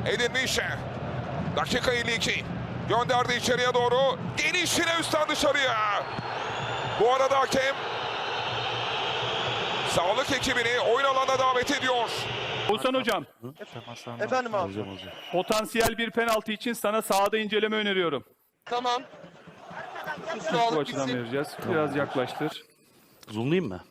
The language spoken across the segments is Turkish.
Edin Mişe. Dakika 52. Gönderdi içeriye doğru. Gelişine üstten dışarıya. Bu arada hakem sağlık ekibini oyun alanına davet ediyor. Oğuzhan hocam, Efendim abi. potansiyel bir penaltı için sana sahada inceleme öneriyorum. Tamam. Şu Bu sağlık açıdan gitsin. vereceğiz. Biraz yaklaştır. Zoomlayayım mı?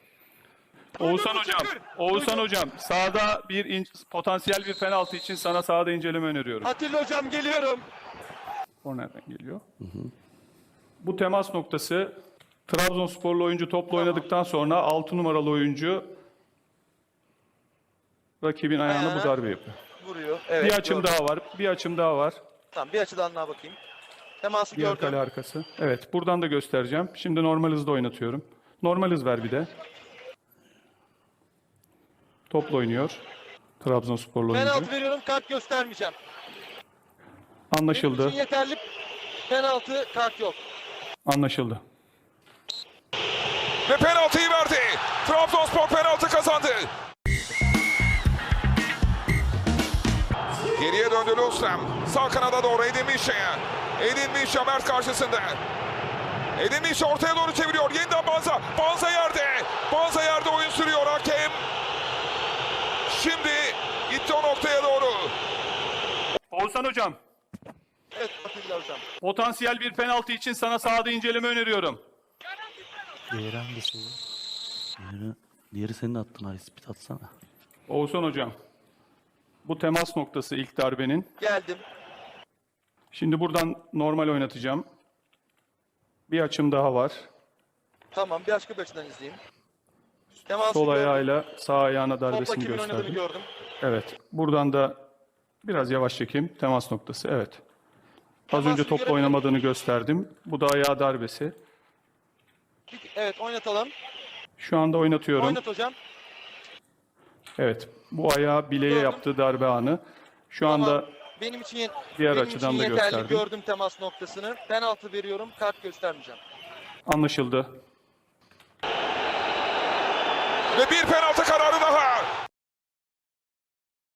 Oğuzhan hocam, sahada potansiyel bir penaltı için sana sahada inceleme öneriyorum. Atilla hocam geliyorum. Kornerden geliyor. Bu temas noktası Trabzonsporlu oyuncu topla oynadıktan sonra 6 numaralı oyuncu rakibin ayağına bu darbe yapıyor. Vuruyor. Evet. Bir açım gördüm. daha var. Bir açım daha var. Tamam bir açıdan daha bakayım. Teması Diğer gördüm. kale arkası. Evet, buradan da göstereceğim. Şimdi normal hızda oynatıyorum. Normal hız ver bir de. Topla oynuyor. Trabzonsporlu oyuncu. Penaltı veriyorum, kart göstermeyeceğim. Benim Anlaşıldı. için yeterli penaltı, kart yok. Anlaşıldı. Ve penaltıyı verdi. Trabzonspor penaltı kazandı. Geriye döndü Lundström. Sağ kanada doğru Edin Mişe'ye. Edin Mişe Mert karşısında. Edin Mişe ortaya doğru çeviriyor. Yeniden Banza. Banza yerde. Banza yerde oyun sürüyor hakem. Şimdi gitti o noktaya doğru. Oğuzhan hocam, Evet Atilla hocam. potansiyel bir penaltı için sana sahada inceleme öneriyorum. Diğeri hangisi? Diğeri senin attın Ali, spit atsana. Oğuzhan hocam, bu temas noktası ilk darbenin. Geldim. Şimdi buradan normal oynatacağım. Bir açım daha var. Tamam bir başka bir açıdan izleyeyim. Teması Sol gördüm. ayağıyla sağ ayağına Topla darbesini kimin oynadığını gösterdim. gördüm. Evet. Buradan da biraz yavaş çekeyim. Temas noktası. Evet. Az Teması önce topla göremedim. oynamadığını gösterdim. Bu da ayağı darbesi. Evet oynatalım. Şu anda oynatıyorum. Oynat hocam. Evet. Bu ayağı bileğe Gördüm. yaptığı darbe anı. Şu Tamam. anda Benim için, diğer benim açıdan için da yeterli. gösterdim. Gördüm temas noktasını. Penaltı veriyorum, kart göstermeyeceğim. anlaşıldı. Ve bir penaltı kararı daha.